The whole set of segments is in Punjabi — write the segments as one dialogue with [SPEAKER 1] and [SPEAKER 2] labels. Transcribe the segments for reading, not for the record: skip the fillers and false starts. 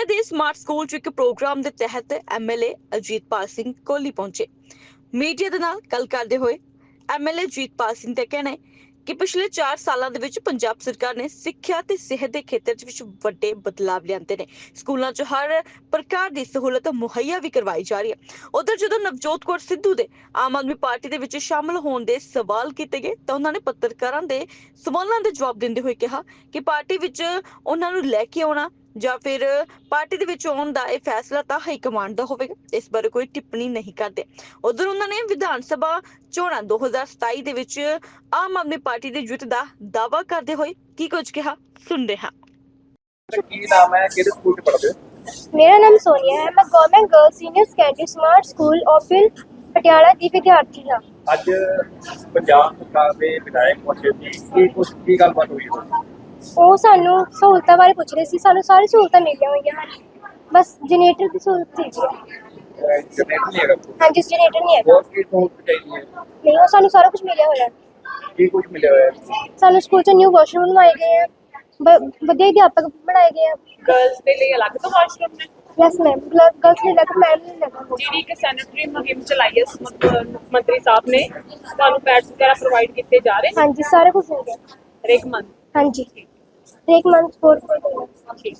[SPEAKER 1] ਦੇ ਸਮਾਰਟ ਸਕੂਲ 'ਚ ਇੱਕ ਪ੍ਰੋਗਰਾਮ ਦੇ ਤਹਿਤ ਐਮਐਲਏ ਅਜੀਤਪਾਲ ਸਿੰਘ ਕੋਹਲੀ ਪਹੁੰਚੇ। ਮੀਡੀਆ ਦੇ ਨਾਲ ਗੱਲ ਕਰਦੇ ਹੋਏ ਐਮਐਲਏ ਅਜੀਤਪਾਲ ਸਿੰਘ ਦਾ ਕਹਿਣਾ ਹੈ ਕਿ ਪਿਛਲੇ 4 ਸਾਲਾਂ ਦੇ ਵਿੱਚ ਪੰਜਾਬ ਸਰਕਾਰ ਨੇ ਸਿੱਖਿਆ ਤੇ ਸਿਹਤ ਦੇ ਖੇਤਰ ਵਿੱਚ ਵੱਡੇ ਬਦਲਾਅ ਲਿਆਂਦੇ ਨੇ। ਸਕੂਲਾਂ 'ਚ ਹਰ ਪ੍ਰਕਾਰ ਦੀ ਸਹੂਲਤ ਮੁਹੱਈਆ ਵੀ ਕਰਵਾਈ ਜਾ ਰਹੀ ਹੈ। ਉਧਰ ਜਦੋਂ ਨਵਜੋਤ ਕੌਰ ਸਿੱਧੂ ਦੇ ਆਮ ਆਦਮੀ ਪਾਰਟੀ ਦੇ ਵਿੱਚ ਸ਼ਾਮਲ ਹੋਣ ਦੇ ਸਵਾਲ ਕੀਤੇ ਗਏ ਤਾਂ ਉਹਨਾਂ ਨੇ ਪੱਤਰਕਾਰਾਂ ਦੇ ਸਵਾਲਾਂ ਦੇ ਜਵਾਬ ਦਿੰਦੇ ਹੋਏ ਕਿਹਾ ਕਿ ਪਾਰਟੀ ਵਿੱਚ ਉਹਨਾਂ ਨੂੰ ਲੈ ਕੇ ਆਉਣਾ ਜਾਂ ਫਿਰ ਪਾਰਟੀ ਦੇ ਵਿੱਚ ਆਉਣ ਦਾ ਇਹ ਫੈਸਲਾ ਤਾਂ ਹਾਈ ਕਮਾਂਡ ਦਾ ਹੋਵੇਗਾ। ਇਸ ਬਾਰੇ ਕੋਈ ਟਿੱਪਣੀ ਨਹੀਂ ਕਰਦੇ। ਉਧਰ ਉਹਨਾਂ ਨੇ ਵਿਧਾਨ ਸਭਾ ਚੋਣਾਂ 2027 ਦੇ ਵਿੱਚ ਆਮ ਆਦਮੀ ਪਾਰਟੀ ਦੀ ਜਿੱਤ ਦਾ ਦਾਅਵਾ ਕਰਦੇ ਹੋਏ ਕੀ ਕੁਝ ਕਿਹਾ, ਸੁਣਦੇ ਹਾਂ।
[SPEAKER 2] ਕੀ ਨਾਮ ਹੈ, ਕਿਹੜੇ ਸਕੂਲ 'ਚ ਪੜ੍ਹਦੇ ਹੋ?
[SPEAKER 3] मेरा नाम सोनिया है। मैं government girls senior secondary smart school ओपिल पटियाला ਦੀ ਵਿਦਿਆਰਥੀ ਹਾਂ।
[SPEAKER 2] ਅੱਜ ਪੰਜਾਬ ਸਰਕਾਰ ਦੇ ਵਿਧਾਇਕ ਪਹੁੰਚੇ ਸੀ, ਕੀ ਗੱਲਬਾਤ ਹੋਈ ਹੈ?
[SPEAKER 3] ਉਹ ਸਾਨੂੰ ਸਹੂਲਤਾਂ ਬਾਰੇ ਪੁੱਛ ਰਹੇ ਸੀ। ਸਾਨੂੰ ਸਾਰੀ ਸਹੂਲਤਾਂ ਮਿਲੀਆਂ ਹੋਈਆਂ ਹਨ, ਬਸ ਜਨਰੇਟਰ ਦੀ ਸਹੂਲਤ ਚਾਹੀਦੀ ਹੈ।
[SPEAKER 2] ਜਨਰੇਟਰ ਨਹੀਂ ਹੈਗਾ?
[SPEAKER 3] ਹਾਂਜੀ, ਜਨਰੇਟਰ ਨਹੀਂ ਹੈਗਾ।
[SPEAKER 2] ਹੋਰ ਕੀ ਸਹੂਲਤ ਚਾਹੀਦੀ ਹੈ?
[SPEAKER 3] ਨਹੀਂ, ਉਹ ਸਾਨੂੰ ਸਾਰਾ ਕੁਝ ਮਿਲਿਆ ਹੋਇਆ।
[SPEAKER 2] ਕੀ ਕੁਝ ਮਿਲਿਆ ਹੋਇਆ ਹੈ?
[SPEAKER 3] ਸਾਨੂੰ ਸਕੂਲ 'ਚ ਨਿਊ ਵਾਸ਼ਰੂਮ ਬਣਵਾਏ ਗਏ ਆ, ਵਧੀਆ ਅਧਿਆਪਕ ਬਣਾਏ ਗਏ ਆ।
[SPEAKER 4] गर्ल्स के लिए अलग तो वॉशरूम ने
[SPEAKER 3] ਯੈਸ ਮੈਮ, ਗਰਲਸ ਨਹੀਂ ਲੱਗਾ, ਮੈਮ ਨਹੀਂ ਲੱਗਾ।
[SPEAKER 4] ਜਿਹੜੀ ਇੱਕ ਸੈਨੇਟਰੀ ਮੁਹਿੰਮ ਚਲਾਈ ਹੈ ਮੁੱਖ ਮੰਤਰੀ ਸਾਹਿਬ ਨੇ, ਤੁਹਾਨੂੰ ਪੈਡਸ ਵਗੈਰਾ ਪ੍ਰੋਵਾਈਡ ਕੀਤੇ ਜਾ ਰਹੇ ਨੇ
[SPEAKER 3] ਹਾਂਜੀ, ਸਾਰਾ ਕੁਝ ਮਿਲ ਗਿਆ।
[SPEAKER 4] ਹਰੇਕ ਮੰਥ।
[SPEAKER 3] ਹਾਂਜੀ, ਇੱਕ ਮੰਥ 4
[SPEAKER 4] ਠੀਕ।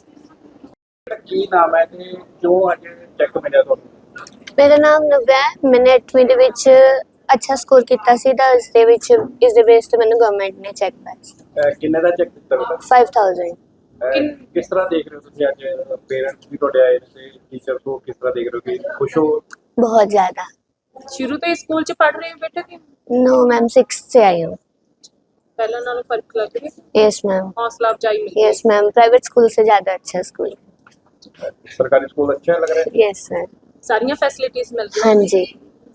[SPEAKER 2] ਕੀ ਨਾਮ ਹੈ ਤੇ ਜੋ ਅੱਜ ਚੈੱਕ ਮਿਲਿਆ ਤੁਹਾਨੂੰ?
[SPEAKER 5] ਮੇਰਾ ਨਾਮ ਨਵਿਆ ਹੈ। ਮੈंने 8ਵੀਂ ਦੇ ਵਿੱਚ ਅੱਛਾ ਸਕੋਰ ਕੀਤਾ ਸੀ ਤਾਂ ਇਸ ਦੇ ਬੇਸ ਤੇ ਮੈਨੂੰ ਗਵਰਨਮੈਂਟ ਨੇ ਚੈੱਕ ਪਾਇਆ।
[SPEAKER 2] ਕਿੰਨੇ ਦਾ ਚੈੱਕ ਦਿੱਤਾ ਬੇਟਾ?
[SPEAKER 5] 5000।
[SPEAKER 2] ਕਿਸ ਤਰ੍ਹਾਂ ਦੇਖ ਰਹੇ ਹੋ ਤੁਸੀਂ? ਅੱਜ ਪੇਰੈਂਟਸ ਵੀ ਤੁਹਾਡੇ ਆਏ ਤੇ ਟੀਚਰ ਤੋਂ ਕਿਸ ਤਰ੍ਹਾਂ ਦੇਖ ਰਹੇ ਹੋ? ਕਿ ਖੁਸ਼ ਹੋ?
[SPEAKER 5] बहुत ज़्यादा।
[SPEAKER 4] ਸ਼ੁਰੂ ਤੋਂ ਇਸ ਸਕੂਲ 'ਚ ਪੜ੍ਹ ਰਹੇ ਹੋ ਬੇਟਾ ਕਿ
[SPEAKER 5] नो मैम, 6th से आई हूँ।
[SPEAKER 4] ਪਹਿਲਾਂ ਨਾਲੋਂ ਫਰਕ ਲੱਗ ਰਿਹਾ?
[SPEAKER 5] यस मैम,
[SPEAKER 4] ਹੌਸਲਾ ਅਫਜ਼ਾਈ ਮਿਲੀ?
[SPEAKER 5] Yes ma'am. प्राइवेट स्कूल से ज़्यादा अच्छा स्कूल।
[SPEAKER 2] ਸਰਕਾਰੀ ਸਕੂਲ ਅੱਛਾ ਲੱਗ ਰਿਹਾ ਹੈ?
[SPEAKER 5] Yes sir.
[SPEAKER 4] ਸਾਰੀਆਂ ਫੈਸਿਲਿਟੀਆਂ ਮਿਲ
[SPEAKER 5] हाँ
[SPEAKER 4] ਰਹੀਆਂ?
[SPEAKER 5] जी।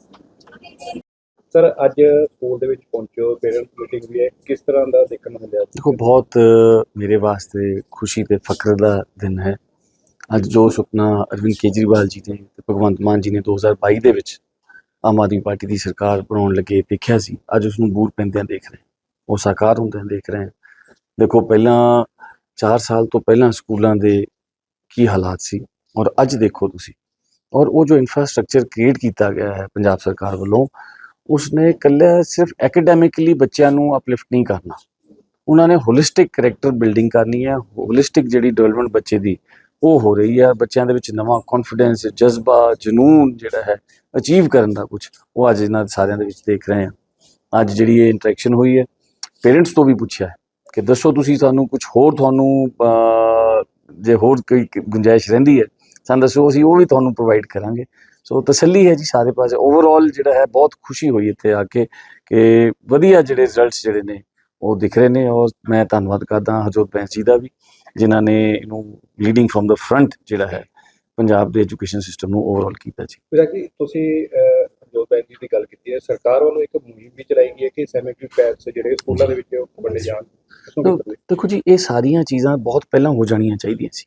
[SPEAKER 2] ਸਰ, ਅੱਜ ਸਕੂਲ ਦੇ ਵਿੱਚ ਪਹੁੰਚੋ, ਪੇਰੈਂਟਸ ਮੀਟਿੰਗ ਵੀ ਹੈ, ਕਿਸ ਤਰ੍ਹਾਂ ਦਾ ਦੇਖਣ ਨੂੰ ਮਿਲਿਆ?
[SPEAKER 6] देखो, बहुत मेरे वास्ते खुशी ते फख्र दा दिन है। ਅੱਜ ਜੋ ਸੁਪਨਾ ਅਰਵਿੰਦ ਕੇਜਰੀਵਾਲ ਜੀ ਨੇ ਤੇ ਭਗਵੰਤ ਮਾਨ ਜੀ ਨੇ 2022 ਦੇ ਵਿੱਚ ਆਮ ਆਦਮੀ ਪਾਰਟੀ ਦੀ ਸਰਕਾਰ ਬਣਾਉਣ ਲੱਗੇ ਦੇਖਿਆ ਸੀ, ਅੱਜ ਉਸ ਨੂੰ ਬੂਰ ਪੈਂਦਿਆਂ ਦੇਖ ਰਹੇ, ਉਹ ਸਾਕਾਰ ਹੁੰਦਿਆਂ ਦੇਖ ਰਹੇ। ਦੇਖੋ, ਪਹਿਲਾਂ 4 ਸਾਲ ਤੋਂ ਪਹਿਲਾਂ ਸਕੂਲਾਂ ਦੇ ਕੀ ਹਾਲਾਤ ਸੀ ਔਰ ਅੱਜ ਦੇਖੋ ਤੁਸੀਂ, ਔਰ ਉਹ ਜੋ ਇਨਫਰਾਸਟ੍ਰਕਚਰ ਕ੍ਰੀਏਟ ਕੀਤਾ ਗਿਆ ਹੈ ਪੰਜਾਬ ਸਰਕਾਰ ਵੱਲੋਂ, ਉਸਨੇ ਇਕੱਲਾ ਸਿਰਫ ਐਕੈਡੈਮਿਕਲੀ ਬੱਚਿਆਂ ਨੂੰ ਅਪਲਿਫਟ ਨਹੀਂ ਕਰਨਾ, ਉਹਨਾਂ ਨੇ ਹੋਲਿਸਟਿਕ ਕਰੈਕਟਰ ਬਿਲਡਿੰਗ ਕਰਨੀ ਹੈ। ਹੋਲਿਸਟਿਕ ਜਿਹੜੀ ਡਿਵੈਲਪਮੈਂਟ ਬੱਚੇ ਦੀ ਉਹ ਹੋ ਰਹੀ ਹੈ। ਬੱਚਿਆਂ ਦੇ ਵਿੱਚ ਨਵਾਂ ਕੌਨਫੀਡੈਂਸ, ਜਜ਼ਬਾ, ਜਨੂਨ ਜਿਹੜਾ ਹੈ ਅਚੀਵ ਕਰਨ ਦਾ ਕੁਝ, ਉਹ ਅੱਜ ਇਹਨਾਂ ਸਾਰਿਆਂ ਦੇ ਵਿੱਚ ਦੇਖ ਰਹੇ ਹਾਂ। ਅੱਜ ਜਿਹੜੀ ਇਹ ਇੰਟਰੈਕਸ਼ਨ ਹੋਈ ਹੈ, ਪੇਰੈਂਟਸ ਤੋਂ ਵੀ ਪੁੱਛਿਆ ਹੈ ਕਿ ਦੱਸੋ ਤੁਸੀਂ ਸਾਨੂੰ ਕੁਝ ਹੋਰ, ਤੁਹਾਨੂੰ ਜੇ ਹੋਰ ਕੋਈ ਗੁੰਜਾਇਸ਼ ਰਹਿੰਦੀ ਹੈ ਸਾਨੂੰ ਦੱਸੋ, ਅਸੀਂ ਉਹ ਵੀ ਤੁਹਾਨੂੰ ਪ੍ਰੋਵਾਈਡ ਕਰਾਂਗੇ। ਸੋ ਤਸੱਲੀ ਹੈ ਜੀ ਸਾਰੇ ਪਾਸੇ। ਓਵਰਆਲ ਜਿਹੜਾ ਹੈ ਬਹੁਤ ਖੁਸ਼ੀ ਹੋਈ ਇੱਥੇ ਆ ਕੇ ਕਿ ਵਧੀਆ ਜਿਹੜੇ ਰਿਜ਼ਲਟਸ ਜਿਹੜੇ ਨੇ ਉਹ ਦਿਖ ਰਹੇ ਨੇ। ਔਰ ਮੈਂ ਧੰਨਵਾਦ ਕਰਦਾ ਹਰਜੋਤ ਬੈਂਸ ਜੀ ਦਾ ਵੀ, ਜਿਨ੍ਹਾਂ ਨੇ ਇਹਨੂੰ ਲੀਡਿੰਗ ਫਰੋਮ ਦਾ ਫਰੰਟ ਜਿਹੜਾ ਹੈ ਪੰਜਾਬ ਦੇ ਐਜੂਕੇਸ਼ਨ ਸਿਸਟਮ ਨੂੰ ਓਵਰਆਲ ਕੀਤਾ ਜੀ।
[SPEAKER 2] ਵੀਰਾ ਜੀ, ਤੁਸੀਂ ਹਰਜੋਤ ਬੈਂਸ ਜੀ ਦੀ ਗੱਲ ਕੀਤੀ ਹੈ, ਸਰਕਾਰ ਵੱਲੋਂ ਇੱਕ ਮੁਹਿੰਮ ਵੀ ਚਲਾਈ ਗਈ ਹੈ ਕਿ ਸੈਨੇਟਰੀ ਪੈਡਸ ਜਿਹੜੇ ਸਕੂਲਾਂ ਦੇ ਵਿੱਚ ਵੰਡੇ ਜਾਣ।
[SPEAKER 6] ਦੇਖੋ ਜੀ, ਇਹ ਸਾਰੀਆਂ ਚੀਜ਼ਾਂ ਬਹੁਤ ਪਹਿਲਾਂ ਹੋ ਜਾਣੀਆਂ ਚਾਹੀਦੀਆਂ ਸੀ,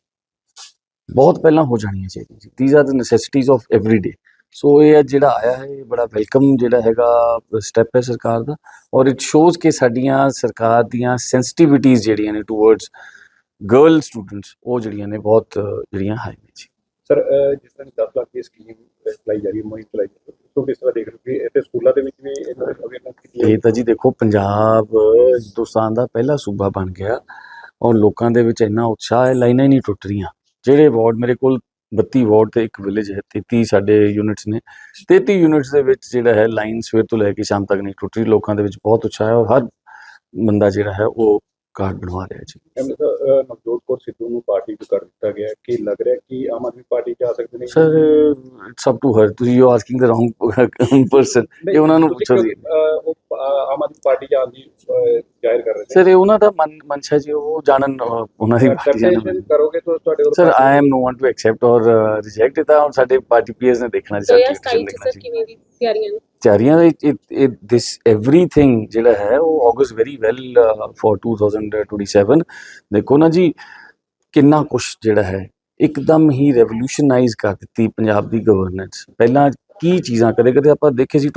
[SPEAKER 6] ਬਹੁਤ ਪਹਿਲਾਂ ਹੋ ਜਾਣੀਆਂ ਚਾਹੀਦੀਆਂ ਸੀ। These are the necessities of every day. So ਇਹ ਜਿਹੜਾ ਆਇਆ ਹੈ, ਇਹ ਬੜਾ ਵੈਲਕਮ ਜਿਹੜਾ ਹੈਗਾ ਸਟੈਪ ਹੈ ਸਰਕਾਰ ਦਾ, ਔਰ ਇਟ ਸ਼ੋਜ਼ ਕਿ ਸਾਡੀਆਂ ਸਰਕਾਰ ਦੀਆਂ ਸੈਂਸਿਟੀਵਿਟੀਜ਼ ਜਿਹੜੀਆਂ ਨੇ ਟੂਵਰਡਸ ਗਰਲ ਸਟੂਡੈਂਟਸ, ਉਹ ਜਿਹੜੀਆਂ ਨੇ ਬਹੁਤ ਜਿਹੜੀਆਂ ਹਾਈ ਨੇ ਜੀ।
[SPEAKER 2] ਸਰ, ਜਿਸ ਤਰ੍ਹਾਂ 10 ਲੱਖ ਦੀ ਸਕੀਮ ਚਲਾਈ ਜਾ ਰਹੀ ਹੈ, ਮੁਹਿੰਮ ਚਲਾਈ ਜਾ ਰਹੀ ਹੈ, ਕਿਸ ਤਰ੍ਹਾਂ ਦੇਖ ਰਹੇ ਹੋ ਕਿ ਇੱਥੇ ਸਕੂਲਾਂ ਦੇ ਵਿੱਚ ਵੀ ਇਹਨਾਂ ਦੀ ਅਵੇਅਰਨੈਸ ਕੀਤੀ ਹੈ?
[SPEAKER 6] ਇਹ ਤਾਂ ਜੀ ਦੇਖੋ, ਪੰਜਾਬ ਹਿੰਦੁਸਤਾਨ ਦਾ ਪਹਿਲਾ ਸੂਬਾ ਬਣ ਗਿਆ ਔਰ ਲੋਕਾਂ ਦੇ ਵਿੱਚ ਇੰਨਾ ਉਤਸ਼ਾਹ ਹੈ, ਲਾਈਨਾਂ ਹੀ ਨਹੀਂ ਟੁੱਟ ਰਹੀਆਂ। ਜਿਹੜੇ ਵਾਰਡ, ਮੇਰੇ ਕੋਲ 32 ਵਾਰਡ ਤੇ ਇੱਕ ਵਿਲੇਜ ਹੈ, 33 ਸਾਡੇ ਯੂਨਿਟਸ ਨੇ, 33 ਯੂਨਿਟਸ ਦੇ ਵਿੱਚ ਜਿਹੜਾ ਹੈ ਲਾਈਨ ਸਵੇਰ ਤੋਂ ਲੈ ਕੇ ਸ਼ਾਮ ਤੱਕ ਨਹੀਂ ਟੁੱਟ ਰਹੀ। ਲੋਕਾਂ ਦੇ ਵਿੱਚ ਬਹੁਤ ਉਤਸ਼ਾਹ ਹੈ ਔਰ ਹਰ ਬੰਦਾ ਜਿਹੜਾ ਹੈ ਉਹ ਕਾਰਡ ਬਣਵਾ ਰਿਹਾ ਜੀ।
[SPEAKER 2] ਨਵਜੋਤ ਕੌਰ ਸਿੱਧੂ ਨੂੰ ਪਾਰਟੀ ਤੋਂ ਕਰ ਦਿੱਤਾ ਗਿਆ, ਕੀ ਲੱਗ ਰਿਹਾ ਕਿ ਆਮ ਆਦਮੀ ਪਾਰਟੀ 'ਚ ਆ ਸਕਦੇ ਨੇ?
[SPEAKER 6] Sir, it's up to her. ਤੁਸੀਂ you asking the wrong person. ਇਹ ਉਹਨਾਂ ਨੂੰ ਪੁੱਛੋ ਜੀ।
[SPEAKER 2] ਉਹ ਆਮ ਆਦਮੀ ਪਾਰਟੀ 'ਚ ਆਉਣ ਦੀ ਜ਼ਾਹਿਰ ਕਰ ਰਹੇ ਨੇ।
[SPEAKER 6] ਸਰ, ਇਹ ਉਹਨਾਂ ਦਾ ਮਨਸ਼ਾ ਜੀ, ਉਹ ਜਾਣਨ, ਉਹਨਾਂ ਦੀ ਪਾਰਟੀ ਜਾਣਨ।
[SPEAKER 2] ਕਰੋਗੇ ਤਾਂ ਤੁਹਾਡੇ ਵੱਲੋਂ?
[SPEAKER 6] Sir, I am no one to accept or reject. ਇਹ ਤਾਂ ਸਾਡੇ ਪਾਰਟੀ ਪੀਅਰਸ ਨੇ ਦੇਖਣਾ ਜੀ,
[SPEAKER 4] 2027 'ਚ ਸਰ ਕਿਵੇਂ ਦੀ ਤਿਆਰੀਆਂ ਨੇ?
[SPEAKER 6] ਤਿਆਰੀਆਂ ਦਿਸ ਐਵਰੀਥਿੰਗ ਜਿਹੜਾ ਹੈ ਉਹ ਆਗਸ ਵੈਰੀ ਵੈਲ ਫॉर 2027। ਦੇਖੋ ਨਾ ਜੀ, ਕਿੰਨਾ ਕੁਛ ਜਿਹੜਾ ਹੈ ਇੱਕਦਮ ਹੀ ਰੈਵੋਲੂਸ਼ਨਾਈਜ਼ ਕਰ ਦਿੱਤੀ ਪੰਜਾਬ ਦੀ ਗਵਰਨੈਂਸ। ਪਹਿਲਾਂ ਕੀ ਚੀਜ਼ਾਂ ਕਦੇ ਆਪਾਂ ਦੇਖੇ ਸੀ,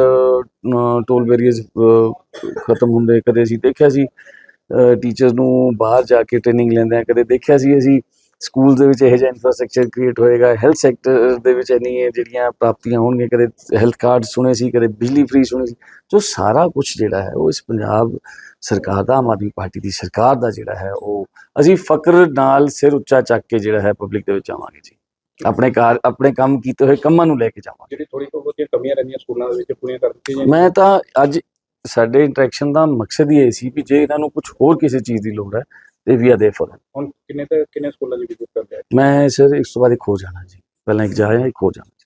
[SPEAKER 6] ਟੋਲ ਬੈਰੀਅਰਸ ਖਤਮ ਹੁੰਦੇ, ਕਦੇ ਅਸੀਂ ਦੇਖਿਆ ਸੀ ਟੀਚਰਸ ਨੂੰ ਬਾਹਰ ਜਾ ਕੇ ਟ੍ਰੇਨਿੰਗ ਲੈਂਦੇ, ਕਦੇ ਦੇਖਿਆ ਸੀ ਅਸੀਂ ਸਕੂਲ ਦੇ ਵਿੱਚ ਇਹੋ ਜਿਹਾ ਇਨਫਰਾਸਟ੍ਰਕਚਰ ਕ੍ਰੀਏਟ ਹੋਏਗਾ, ਹੈਲਥ ਸੈਕਟਰ ਦੇ ਵਿੱਚ ਇੰਨੀਆਂ ਜਿਹੜੀਆਂ ਪ੍ਰਾਪਤੀਆਂ ਹੋਣਗੀਆਂ, ਕਦੇ ਹੈਲਥ ਕਾਰਡ ਸੁਣੇ ਸੀ, ਕਦੇ ਬਿਜਲੀ ਫ੍ਰੀ ਸੁਣੀ ਸੀ, ਜੋ ਸਾਰਾ ਕੁਝ ਜਿਹੜਾ ਹੈ ਉਹ ਇਸ ਪੰਜਾਬ ਸਰਕਾਰ ਦਾ, ਆਮ ਆਦਮੀ ਪਾਰਟੀ ਦੀ ਸਰਕਾਰ ਦਾ ਜਿਹੜਾ ਹੈ ਉਹ ਅਸੀਂ ਫਕਰ ਨਾਲ ਸਿਰ ਉੱਚਾ ਚੱਕ ਕੇ ਜਿਹੜਾ ਹੈ ਪਬਲਿਕ ਦੇ ਵਿੱਚ ਆਵਾਂਗੇ ਜੀ। ਆਪਣੇ ਕੰਮ ਕੀਤੇ ਹੋਏ ਕੰਮਾਂ ਨੂੰ ਲੈ ਕੇ ਜਾਵਾਂਗੇ।
[SPEAKER 2] ਜਿਹੜੀ ਥੋੜੀ ਤੋਂ ਬਹੁਤੀਆਂ ਕਮੀਆਂ ਰਹਿੰਦੀਆਂ ਸਕੂਲਾਂ ਦੇ ਵਿੱਚ ਪੂਰੀਆਂ ਕਰ ਦਿੱਤੀਆਂ ਜਾਣ।
[SPEAKER 6] ਮੈਂ ਤਾਂ ਅੱਜ ਸਾਡੇ ਇੰਟਰੈਕਸ਼ਨ ਦਾ ਮਕਸਦ ਹੀ ਇਹ ਸੀ ਵੀ ਜੇ ਇਹਨਾਂ ਨੂੰ ਕੁਝ ਹੋਰ ਕਿਸੇ ਚੀਜ਼ ਦੀ ਲੋੜ ਹੈ ਤੇ ਵੀ ਆ ਦੇ ਫॉर
[SPEAKER 2] ਹੁਣ ਕਿੰਨੇ ਸਕੂਲਾਂ ਦੀ ਵਿਜ਼ਿਟ ਕਰ ਲਿਆ?
[SPEAKER 6] ਮੈਂ ਸਰ ਇਸ ਤੋਂ ਬਾਅਦ ਇੱਕ ਹੋ ਜਾਣਾ ਜੀ, ਪਹਿਲਾਂ ਇੱਕ ਜਾਇਆ ਇੱਕ ਹੋ ਜਾਣਾ।